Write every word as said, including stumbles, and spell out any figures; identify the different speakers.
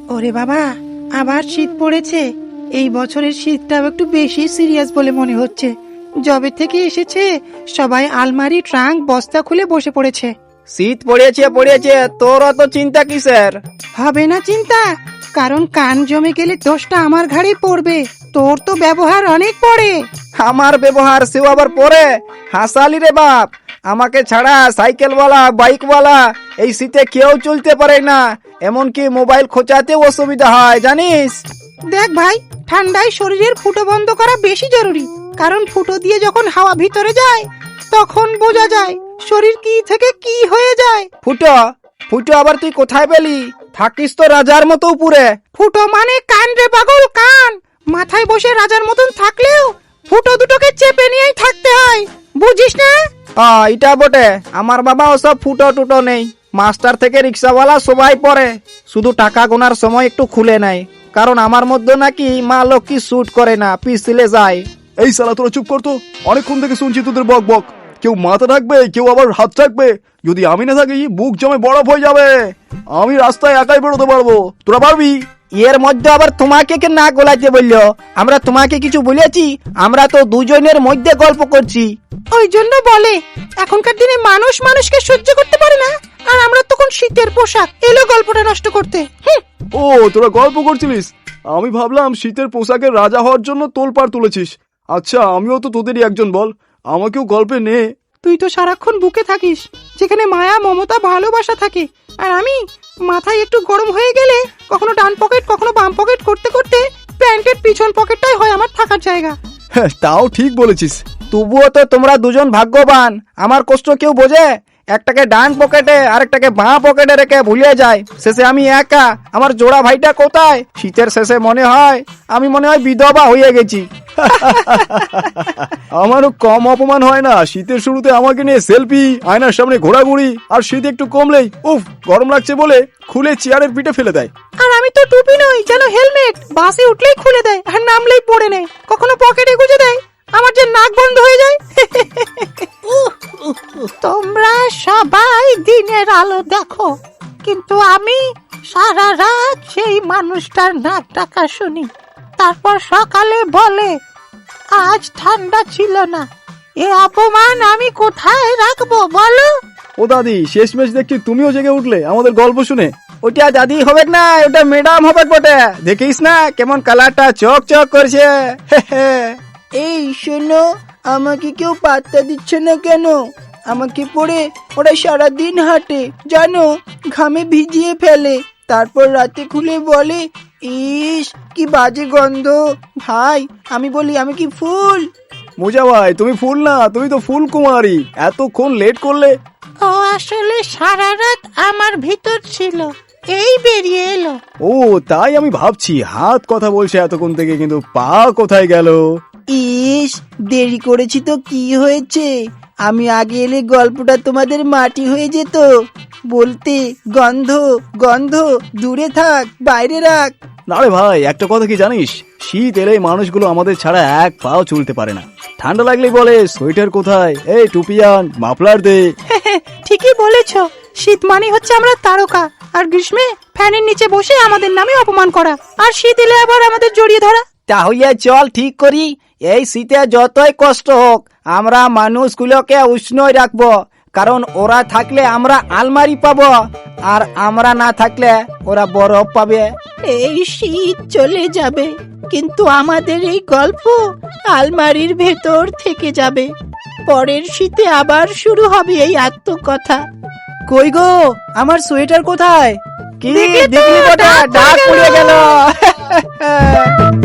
Speaker 1: ওরে বাবা, আবার শীত পড়েছে। এই বছরের শীতটাও একটু বেশি সিরিয়াস বলে মনে হচ্ছে। জবে থেকে এসেছে সবাই আলমারি ট্রাঙ্ক বস্তা খুলে বসে পড়েছে।
Speaker 2: শীত পড়েছে পড়েছে তোর অত চিন্তা কিসের?
Speaker 1: হবে না চিন্তা, কারণ কান জমে গেলে দোষটা আমার ঘাড়ে পড়বে। তোর তো ব্যবহার অনেক পড়ে।
Speaker 2: আমার ব্যবহার সেও আবার পরে? হাসালি রে বাপ, আমাকে ছাড়া সাইকেলওয়ালা বাইকওয়ালা এই শীতে কেউ চলতে পারে না, এমনকি মোবাইল খোঁচাতেও অসুবিধা হয় জানিস।
Speaker 1: দেখ ভাই, ঠান্ডায় শরীরের ফুটো বন্ধ করা বেশি জরুরি, কারণ ফুটো দিয়ে যখন হাওয়া ভিতরে যায় তখন বোঝা যায় শরীর কি থেকে কি হয়ে যায়।
Speaker 2: ফুটো ফুটো আবার তুই কোথায় পেলি? থাকিস তো রাজার মতো উপরে।
Speaker 1: ফুটো মানে কান রে পাগল, কান। মাথায় বসে রাজার মতন থাকলেও ফুটো দুটোকে চেপে নিয়েই থাকতে হয়, বুঝিস না?
Speaker 2: হ্যাঁ এটা বটে, আমার বাবা ওসব ফুটো টুটো নেই। মাস্টার থেকে রিক্সাওয়ালা সবাই পরে, শুধু টাকা গোনার সময় একটু খুলে নেয়, কারণ আমার মধ্যে নাকি মা লক্ষ্মী শুট করে না, পিছলে যায়।
Speaker 3: এই শালা তোরা চুপ করতো, অনেকক্ষণ থেকে শুনছি তোদের বক বক। কেউ মাথা রাখবে, কেউ আবার হাত রাখবে। যদি আমি না থাকি বুক জমে বরফ হয়ে যাবে। আমি রাস্তায় একাই বেরোতে পারবো, তোরা পারবি?
Speaker 2: এর মধ্যে আবার তোমাকে কে না গোলাইতে বললো? আমরা তোমাকে কিছু বলেছি? আমরা তো দুজনের মধ্যে গল্প করছি।
Speaker 1: ওই জন্য বলে এখনকার দিনে মানুষ মানুষকে সহ্য করতে পারে না, আর আমরা তখন শীতের পোশাক এলো গল্পটা নষ্ট করতে।
Speaker 3: ও তোরা গল্প করছিলিস, আমি ভাবলাম শীতের পোশাকের রাজা হওয়ার জন্য তোলপাড় তুলেছিস। আচ্ছা আমিও তো তোদেরই একজন, বল আমাকেও গল্পে নে।
Speaker 1: তুই তো সারাক্ষণ বুকে থাকিস, যেখানে মায়া মমতা ভালোবাসা থাকে, আর আমি মাথায় একটু গরম হয়ে গেলে কখনো ডান পকেট কখনো বাম পকেট করতে করতে প্যান্টের পিছন পকেটটাই হয় আমার থাকার জায়গা।
Speaker 3: হ্যাঁ তাও ঠিক বলেছিস।
Speaker 2: তবুও তো তোমরা দুজন ভাগ্যবান, আমার কষ্ট কেউ বোঝে? একটাকে ডান পকেটে আরেকটাকে বাঁ পকেটে রেখে ভুলে যায়, শেষে আমি একা। আমার জোড়া ভাইটা কোথায়? শীতের শেষে মনে হয় আমি মনে হয় বিধবা হয়ে গেছি।
Speaker 3: আমারও কম অপমান হয় না শীতের শুরুতে আমাকে নিয়ে সেলফি, আয়নার সামনে ঘোরাঘুরি, আর শীত একটু কমলেই উফ গরম লাগছে বলে খুলে চেয়ারের পিঠে ফেলে দেয়।
Speaker 1: আর আমি তো টুপি নই, যেন হেলমেট, বাসে উঠলেই খুলে দেয় আর নামলেই পড়ে নেয়, কখনো পকেটে গুজে দেয়, আমার যে নাক বন্ধ হয়ে যায়। তোমরা সবাই দিনের আলো দেখো, কিন্তু আমি সারা রাত সেই মানুষটার নাক ডাকা শুনি, তারপর সকালে বলে আজ ঠান্ডা ছিল না। এ অপমান আমি কোথায় রাখবো বলো?
Speaker 3: ও দাদি, শেষমেশ দেখছি তুমিও জেগে উঠলে আমাদের গল্প শুনে।
Speaker 2: ওটা দাদি হবে না, ওটা ম্যাডাম হবে বটে। দেখিস না কেমন কালারটা চক চক করছে। এই শোনো, আমাকে কেউ পাত্তা দিচ্ছে না কেন? আমাকে পড়ে ওরা সারাদিন হাঁটে জানো, ঘামে ভিজিয়ে ফেলে, তারপর রাতে খুলে বলে ইস কি বাজে গন্ধ। ভাই আমি বলি আমি কি ফুল?
Speaker 3: মোজা ভাই তুমি ফুল না, তুমি তো ফুল কুমারী। এতক্ষণ লেট করলে?
Speaker 1: ও আসলে সারা রাত আমার ভিতর ছিল, এই বেরিয়ে এলো।
Speaker 3: ও তাই আমি ভাবছি হাত কথা বলছে এতক্ষণ থেকে, কিন্তু পা কোথায় গেল?
Speaker 2: ইস দেরি করেছি তো কি হয়েছে, আমি আগে এলে গল্পটা তোমাদের মাটি হয়ে যেত। বলতে গন্ধ গন্ধ, দূরে থাক, বাইরে রাখ।
Speaker 3: না রে ভাই, একটা কথা কি জানিস, শীত এলে মানুষগুলো আমাদের ছাড়া এক পাও চলতে পারে না। ঠান্ডা লাগলেই বলে সোয়েটার কোথায়, এই টুপিয়ান, মাফলার দে।
Speaker 1: ঠিকই বলেছ, শীত মানে হচ্ছে আমরা তারকা, আর গ্রীষ্মে ফ্যানের নিচে বসে আমাদের নামে অপমান করা, আর শীত এলে আবার আমাদের জড়িয়ে ধরা।
Speaker 2: তাহলে চল ঠিক করি, এই শীতে যতই কষ্ট হোক আমরা মানুষগুলোকে উষ্ণই রাখবো, কারণ ওরা থাকলে আমরা আলমারি পাবো, আর আমরা না থাকলে ওরা বরফ পাবে।
Speaker 1: এই শীত চলে যাবে, কিন্তু আমাদের এই গল্প আলমারির ভেতর থেকে যাবে। পরের শীতে আবার শুরু হবে এই আত্মকথা।
Speaker 2: কই গো, আমার সোয়েটার কোথায়? কি দেখলি বটা, ডাক পড়ে গেল।